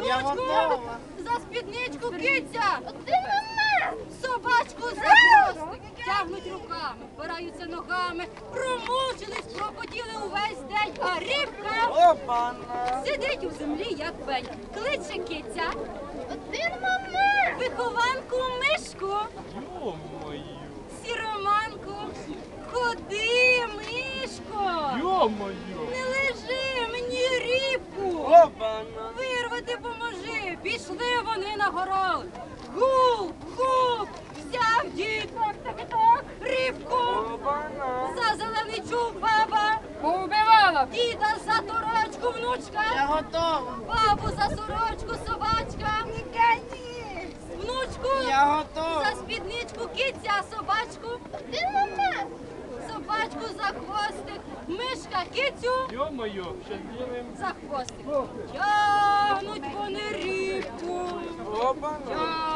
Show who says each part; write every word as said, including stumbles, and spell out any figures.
Speaker 1: внучку, за спідничку киця, собачку за хвостик, тягнуть руками, впираються ногами, промучились, пропотіли увесь день, а рибка сидить у землі, як пень. Кличе киця, один момент, вихованку мишку, сіроманку, ходи, мишко, не лежи, мені рибку, вирвати поможи. Пішли вони на город. Гуп, гуп, взяв дід, так, так, так, рибку, за зелений чуб баба, поубивала, діда за торочку внучка,
Speaker 2: Я готова.
Speaker 1: бабу за сорочку собачка, внучку,
Speaker 2: Я готова.
Speaker 1: за спідничку киця, а собачку, один момент, собачку за хвостик, мишка кицю,
Speaker 3: Йо-моє, ще
Speaker 1: за хвостик. Тягнуть вони рибку, тягнуть.